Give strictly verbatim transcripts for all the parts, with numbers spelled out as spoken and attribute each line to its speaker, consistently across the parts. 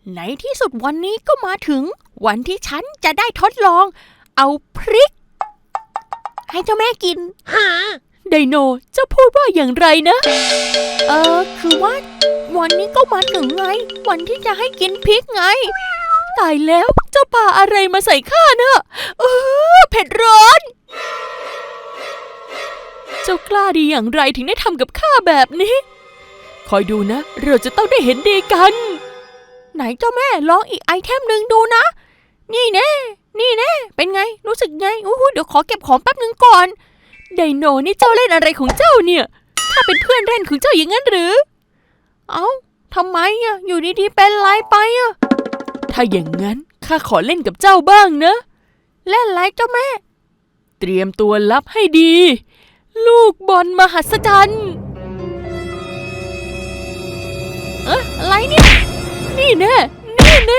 Speaker 1: ในที่สุดวันนี้ก็มาถึงวันที่ฉันจะได้ทดลองเอาพริกให้เจ้าแม่กินไดโนจะพูดว่าอย่างไรนะเออคือว่าวันนี้ก็มาถึงไงวันที่จะให้กินพริกไงตายแล้วเจ้าป่าอะไรมาใส่ข้าเนอะเออเผ็ดร้อนเจ้ากล้าดีอย่างไรถึงได้ทำกับข้าแบบนี้คอยดูนะเราจะต้องได้เห็นดีกันไหนเจ้าแม่ลองอีกไอเทมหนึ่งดูนะนี่แน่นี่แน่เป็นไงรู้สึกไงอู้หูเดี๋ยวขอเก็บของแป๊บหนึ่งก่อนไดโนนี่เจ้าเล่นอะไรของเจ้าเนี่ยข้าเป็นเพื่อนเล่นของเจ้าอย่างนั้นหรือเอ้าทำไมอะอยู่ดีๆเป็นไรไปอะถ้าอย่างนั้นข้าขอเล่นกับเจ้าบ้างนะเล่นอะไรเจ้าแม่เตรียมตัวรับให้ดีลูกบอลมหัศจรรย์เอ๊ะอะไรเนี่ยนี่แน่นี่แน่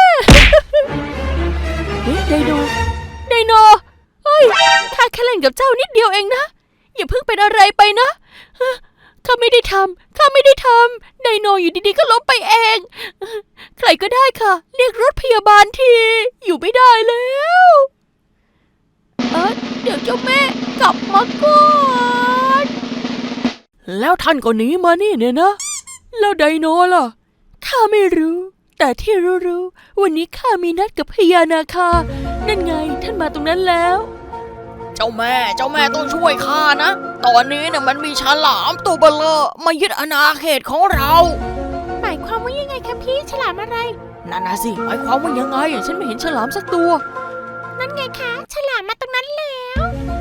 Speaker 1: เฮ้ยไดโนไดโนเฮ้ยข้าแค่เล่นกับเจ้านิดเดียวเองนะอย่าเพิ่งเป็นอะไรไปนะข้าไม่ได้ทำข้าไม่ได้ทำไดโนอยู่ดีๆก็ล้มไปเองใครก็ได้ค่ะเรียกรถพยาบาลทีอยู่ไม่ได้แล้วเออเดี๋ยวเจ้าแม่กลับมาก่อนแล้วท่านก็หนีมานี่เนี่ยนะแล้วไดโนล่ะข้าไม่รู้แต่ที่รู้ๆวันนี้ข้ามีนัดกับพญานาคานั่นไงท่านมาตรงนั้นแล้วเจ้าแม่เจ้าแม่ต้องช่วยข้านะตอนนี้เนี่ยมันมีฉลามตัวเบลอมายึดอาณาเขตของเราหมายความว่ายังไงคะพี่ฉลามอะไรนั่นนะสิหมายความว่ายังไงฉันไม่เห็นฉลามสักตัวนั่นไงคะฉลามมาตรงนั้นแล้ว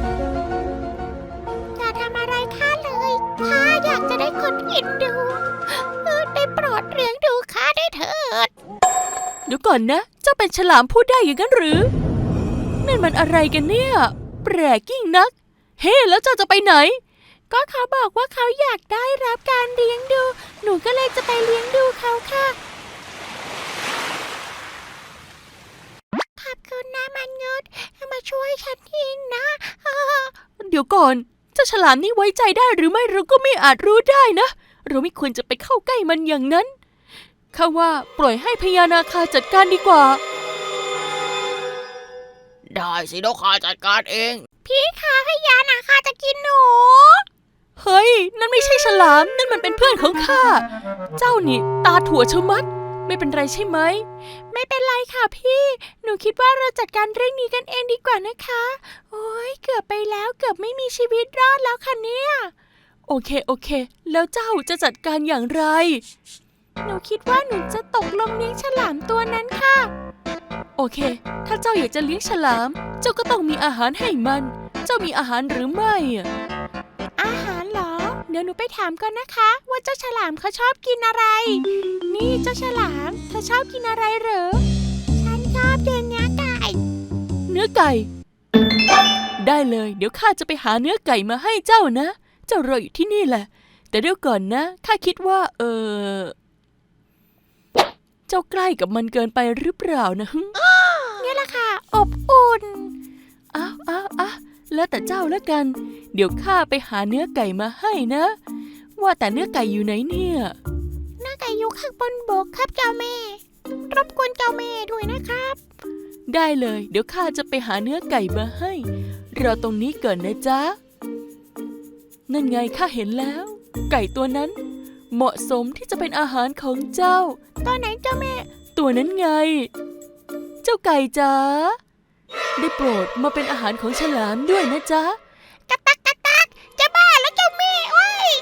Speaker 1: อย่าทำอะไรข้าเลยข้าอยากจะได้คนเอ็นดูได้โปรดเลี้ยงดูข้าได้เถิดเดี๋ยวก่อนนะเจ้าเป็นฉลามพูดได้อย่างนั้นหรือนั่นมันอะไรกันเนี่ยแปลกยิ่งนักเฮ้แล้วเจ้าจะไปไหนก็เขาบอกว่าเขาอยากได้รับการเลี้ยงดูหนูก็เลยจะไปเลี้ยงดูเขาค่ะขอบคุณนะมันงดมาช่วยฉันทีนะเดี๋ยวก่อนเจ้าฉลามนี่ไว้ใจได้หรือไม่เราก็ไม่อาจรู้ได้นะเราไม่ควรจะไปเข้าใกล้มันอย่างนั้นข้าว่าปล่อยให้พญานาคาจัดการดีกว่าได้สิเดี๋ยวข้าจัดการเองพี่คะพญานาคาจะกินหนูเฮ้ยนั่นไม่ใช่ฉลามนั่นมันเป็นเพื่อนของข้าเจ้านี่ตาถั่วชะมัดไม่เป็นไรใช่ไหมไม่เป็นไรค่ะพี่หนูคิดว่าเราจัดการเรื่องนี้กันเองดีกว่านะคะโอ้ยเกือบไปแล้วเกือบไม่มีชีวิตรอดแล้วค่ะเนี่ยโอเคโอเคแล้วเจ้าจะจัดการอย่างไรหนูคิดว่าหนูจะตกลงเลี้ยงฉลามตัวนั้นค่ะโอเคถ้าเจ้าอยากจะเลี้ยงฉลามเจ้าก็ต้องมีอาหารให้มันเจ้ามีอาหารหรือไม่อาหารเหรอเดี๋ยวหนูไปถามก่อนนะคะว่าเจ้าฉลามเขาชอบกินอะไรนี่เจ้าฉลามเธอชอบกินอะไรเหรอฉันชอบกินเนื้อไก่เนื้อไก่ได้เลยเดี๋ยวข้าจะไปหาเนื้อไก่มาให้เจ้านะเจ้ารออยู่ที่นี่แหละแต่เดี๋ยวก่อนนะข้าคิดว่าเออเจ้าใกล้กับมันเกินไปหรือเปล่านะเนี่ยแหละค่ะอบอุ่นอ้าวอ้าวอ้าวแล้วแต่เจ้าแล้วกันเดี๋ยวข้าไปหาเนื้อไก่มาให้นะว่าแต่เนื้อไก่อยู่ไหนเนี่ยเนื้อไก่อยู่ข้างบนบกครับเจ้าแม่รบกวนเจ้าแม่ด้วยนะครับได้เลยเดี๋ยวข้าจะไปหาเนื้อไก่มาให้รอตรงนี้ก่อนนะจ๊ะนั่นไงข้าเห็นแล้วไก่ตัวนั้นเหมาะสมที่จะเป็นอาหารของเจ้าตัวไหนเจ้าแม่ตัวนั้นไงเจ้าไก่จ๋าได้โปรดมาเป็นอาหารของฉลามด้วยนะจ๊ะกะตักกะตักจะบ้าแล้วเจ้าแม่โอ้ย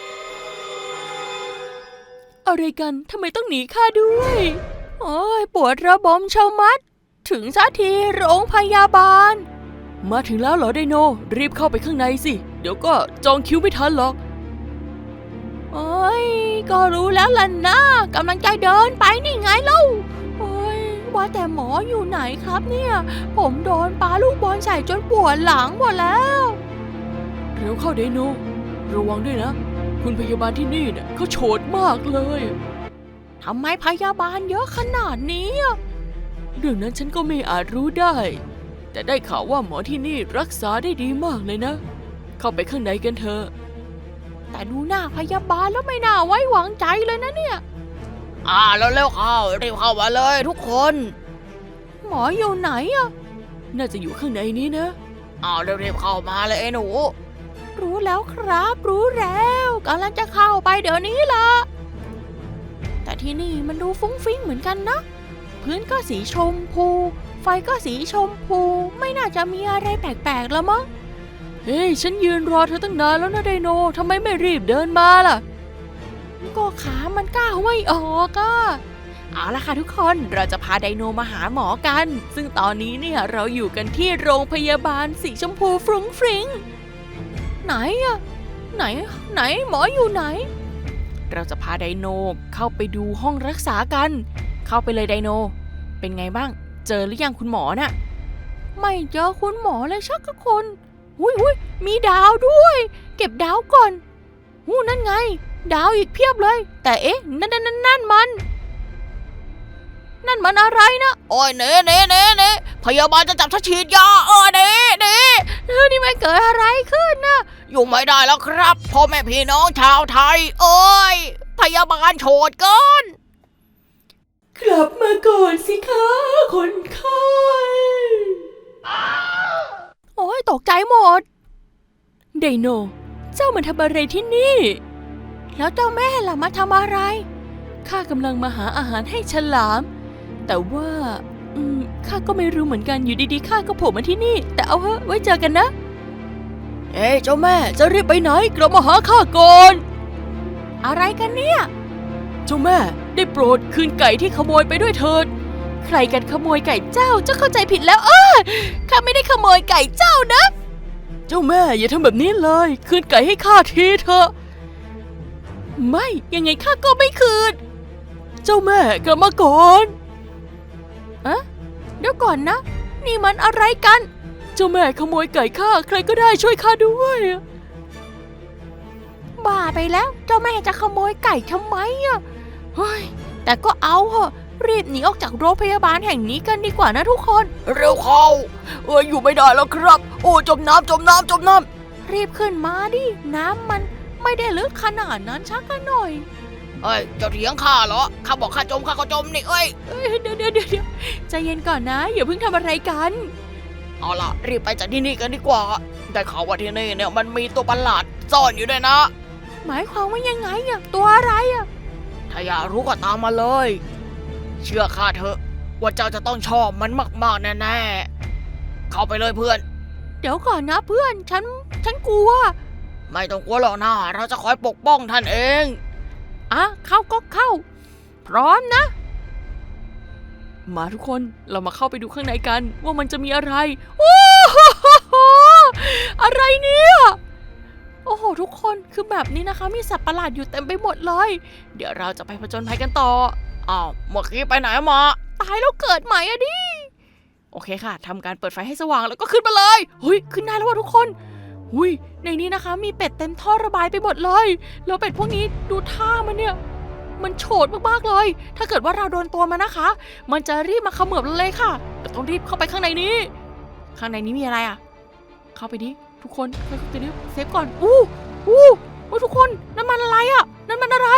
Speaker 1: อะไรกันทำไมต้องหนีข้าด้วยโอ้ยปวดระบมเชามัดถึงสักทีโรงพยาบาลมาถึงแล้วเหรอไดโนรีบเข้าไปข้างในสิเดี๋ยวก็จองคิวไม่ทันหรอกโอ้ยก็รู้แล้วล่ะนะกำลังใจเดินไปนี่ไงเล่าโอ้ยว่าแต่หมออยู่ไหนครับเนี่ยผมโดนปาลูกบอลใส่จนปวดหลังหมดแล้วเร็วเข้าไดโนระวังด้วยนะคุณพยาบาลที่นี่เนี่ยเขาโฉดมากเลยทำไมพยาบาลเยอะขนาดนี้เรื่องนั้นฉันก็ไม่อาจรู้ได้แต่ได้ข่าวว่าหมอที่นี่รักษาได้ดีมากเลยนะเข้าไปข้างในกันเถอะแต่ดูหน้าพยาบาลแล้วไม่น่าไว้วางใจเลยนะเนี่ยอ่าแล้วเร็วเข้ารีบเข้ามาเลยทุกคนหมออยู่ไหนอะน่าจะอยู่ข้างในนี้นะอ้าวเร็วๆเข้ามาเลยไอ้หนูรู้แล้วครับรู้แล้วกำลังจะเข้าไปเดี๋ยวนี้ล่ะแต่ที่นี่มันดูฟุ้งฟิ้งเหมือนกันนะพื้นก็สีชมพูไฟก็สีชมพูไม่น่าจะมีอะไรแปลกๆแล้วมั้งเฮ้ยฉันยืนรอเธอตั้งนานแล้วนะไดโนทำไมไม่รีบเดินมาล่ะก็ขามันก้าวไม่ออกอะเอาล่ะค่ะทุกคนเราจะพาไดโนมาหาหมอกันซึ่งตอนนี้เนี่ยเราอยู่กันที่โรงพยาบาลสีชมพูฟรุ้งฟริ้งไหนอะไหนไหนหมออยู่ไหนเราจะพาไดโนเข้าไปดูห้องรักษากันเข้าไปเลยไดโนเป็นไงบ้างเจอหรือยังคุณหมอน่ะไม่เจอคุณหมอเลยชักกับคนหุยหุยมีดาวด้วยเก็บดาวก่อนหูนั่นไงดาวอีกเพียบเลยแต่เอ๊ะนั่นนั่นนั่นนั่นมันนั่นมันอะไรนะโอ้ยเน่เน่เน่เน่พยาบาลจะจับฉันฉีดยาเออเน่เน่เออนี่มันเกิดอะไรขึ้นนะอยู่ไม่ได้แล้วครับพ่อแม่พี่น้องชาวไทยเอ้ยพยาบาลโฉดเกินกลับมาก่อนสิคะคนไข้โอ้ยตกใจหมดไดโนเจ้ามันทำอะไรที่นี่แล้วเจ้าแม่ล่ะมาทำอะไรข้ากำลังมาหาอาหารให้ฉลามแต่ว่าอืมข้าก็ไม่รู้เหมือนกันอยู่ดีๆข้าก็โผล่มาที่นี่แต่เอาเถอะไว้เจอกันนะเอ้เจ้าแม่จะรีบไปไหนกลับมาหาข้าก่อนอะไรกันเนี่ยเจ้าแม่ได้โปรดคืนไก่ที่ขโมยไปด้วยเถิดใครกันขโมยไก่เจ้าเจ้าเข้าใจผิดแล้วอ้าข้าไม่ได้ขโมยไก่เจ้านะเจ้าแม่อย่าทำแบบนี้เลยคืนไก่ให้ข้าทีเถอะไม่ยังไงข้าก็ไม่คืนเจ้าแม่กลับมาก่อนอะเดี๋ยวก่อนนะนี่มันอะไรกันเจ้าแม่ขโมยไก่ข้าใครก็ได้ช่วยข้าด้วยบ้าไปแล้วเจ้าแม่จะขโมยไก่ทำไมอะเฮ้ยแต่ก็เอาเหอะรีบหนีออกจากโรงพยาบาลแห่งนี้กันดีกว่านะทุกคนเร็วเข้าเอออยู่ไม่ได้แล้วครับโอ้จมน้ำจมน้ำจมน้ำรีบขึ้นมาดิน้ำมันไม่ได้ลึกขนาดนั้นชักกันหน่อยเอ้ยเจ้าเถียงข้าเหรอข้าบอกข้าจมข้าก็จมนี่เอ้ยเดี๋ยวเดี๋ยวเดี๋ยวใจเย็นก่อนนะอย่าเพิ่งทำอะไรกันเอาล่ะรีบไปจากที่นี่กันดีกว่าได้ข่าวว่าที่นี่เนี่ยมันมีตัวประหลาดซ่อนอยู่ด้วยนะหมายความว่ายังไงอะตัวอะไรอะถ้าอยากรู้ก็ตามมาเลยเชื่อข้าเถอะว่าเจ้าจะต้องชอบมันมากๆแน่ๆเข้าไปเลยเพื่อนเดี๋ยวก่อนนะเพื่อนฉันฉันกลัวไม่ต้องกลัวหรอกนะเราจะคอยปกป้องท่านเองอ่ะเข้าก็เข้าพร้อมนะมาทุกคนเรามาเข้าไปดูข้างในกันว่ามันจะมีอะไรโอ้โหอะไรเนี่ยโอ้โหทุกคนคือแบบนี้นะคะมีสัตว์ประหลาดอยู่เต็มไปหมดเลยเดี๋ยวเราจะไปผจญภัยกันต่ออ้าวเมื่อกี้ไปไหนมาตายแล้วเกิดใหม่อะดิโอเคค่ะทำการเปิดไฟให้สว่างแล้วก็ขึ้นมาเลยเฮ้ยขึ้นได้แล้วว่ะทุกคนหุยในนี้นะคะมีเป็ดเต็มท่อระบายไปหมดเลยแล้วเป็ดพวกนี้ดูท่ามันเนี่ยมันโฉดมากๆเลยถ้าเกิดว่าเราโดนตัวมันนะคะมันจะรีบมาเขมือบเราเลยค่ะแต่ต้องรีบเข้าไปข้างในนี้ข้างในนี้มีอะไรอ่ะเข้าไปดิทุกคนเข้าไปดิเซฟก่อนอู้อู้อู้ทุกคนนั่นมันอะไรอ่ะนั่นมันอะไร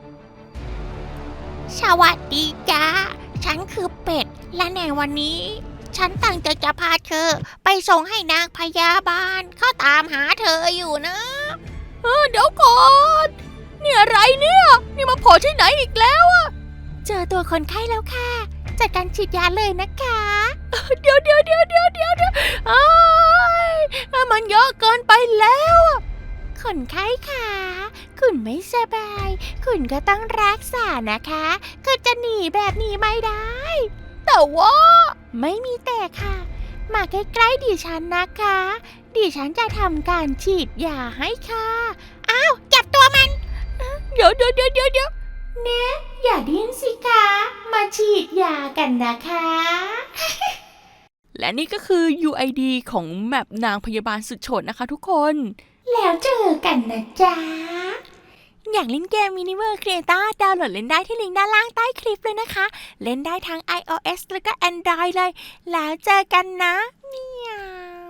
Speaker 1: สวัสดีจ้าฉันคือเป็ดและในวันนี้ฉันตั้งใจจะพาเธอไปส่งให้นางพยาบาลเขาตามหาเธออยู่นะเออเดี๋ยวก่อนนี่อะไรเนี่ยนี่มาโผล่ที่ไหนอีกแล้วอะเจอตัวคนไข้แล้วค่ะจัดการฉีดยาเลยนะคะเดี๋ยวเดี๋ยวเดี๋ยวเดี๋ยวเดี๋ยวเดี๋ยวอ้ายมันเยอะเกินไปแล้วคนไข้ค่ะคุณไม่สบายคุณก็ต้องรักษานะคะคุณจะหนีแบบนี้ไม่ได้แต่ว่าไม่มีแต่ค่ะมาใกล้ๆดิฉันนะคะดิฉันจะทำการฉีดยาให้ค่ะอ้าวจับตัวมันเดี๋ยวเดี๋ยวเดี๋ยวเดี๋ยวเดี๋ยวเนะอย่าดิ้นสิคะมาฉีดยากันนะคะ และนี่ก็คือ ยู ไอ ดี ของแมปนางพยาบาลสุดโฉดนะคะทุกคนแล้วเจอกันนะจ๊ะอยากเล่นเกม Miniverse Creator ดาวน์โหลดเล่นได้ที่ลิงก์ด้านล่างใต้คลิปเลยนะคะเล่นได้ทั้ง iOS แล้วก็ Android เลยแล้วเจอกันนะเมียว